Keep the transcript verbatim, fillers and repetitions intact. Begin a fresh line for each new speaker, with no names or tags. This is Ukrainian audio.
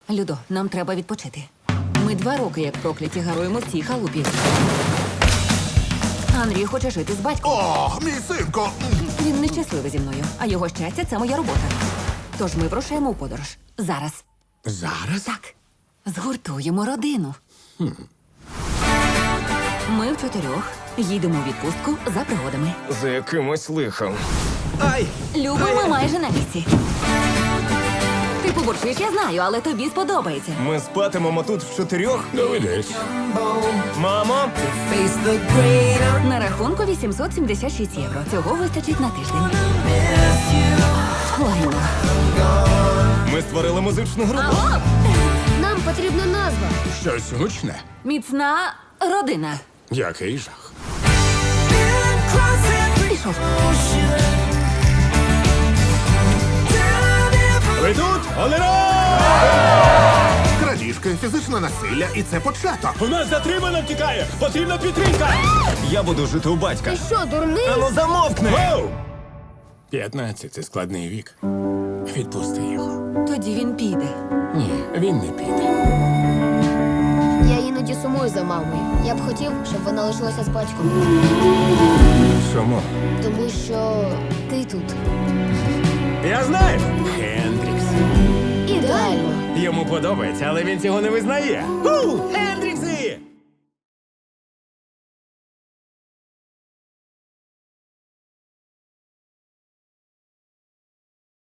Людо, нам треба відпочити. Ми два роки, як прокляті, гаруємо в цій халупі. Андрій хоче жити з батьком.
О, мій синко!
Він нещасливий зі мною, а його щастя – це моя робота. Тож ми вирушаємо у подорож. Зараз.
Зараз?
Так. Згуртуємо родину. Ми в чотирьох їдемо у відпустку за пригодами.
За якимось лихом.
Ай!
Любо, ми майже на місці. Ти побурчиш, я знаю, але тобі сподобається.
Ми спатимемо тут в чотирьох.
Доведеться.
Мамо!
На рахунку вісімсот сімдесят шість євро. Цього вистачить на тиждень. Лайно.
Ми створили музичну групу.
Алло!
Нам потрібна назва.
Щось гучне.
Міцна родина.
Який жах.
Пішов.
Ви тут? Олеро!
Крадіжки, фізичне насилля, і це початок.
У нас затримано втікає! Потрібна підтримка! Я буду жити у батька.
Ти що, дурний?
Ану замовкни!
П'ятнадцять – це складний вік. Відпусти його.
Тоді він піде.
Ні, він не піде.
Я іноді сумую за мамою. Я б хотів, щоб вона лишилася з батьком.
Чому?
Тому що ти тут.
Я знаю!
Хендрікс.
Ідеально.
Йому подобається, але він цього не визнає. Ху! Ендрю!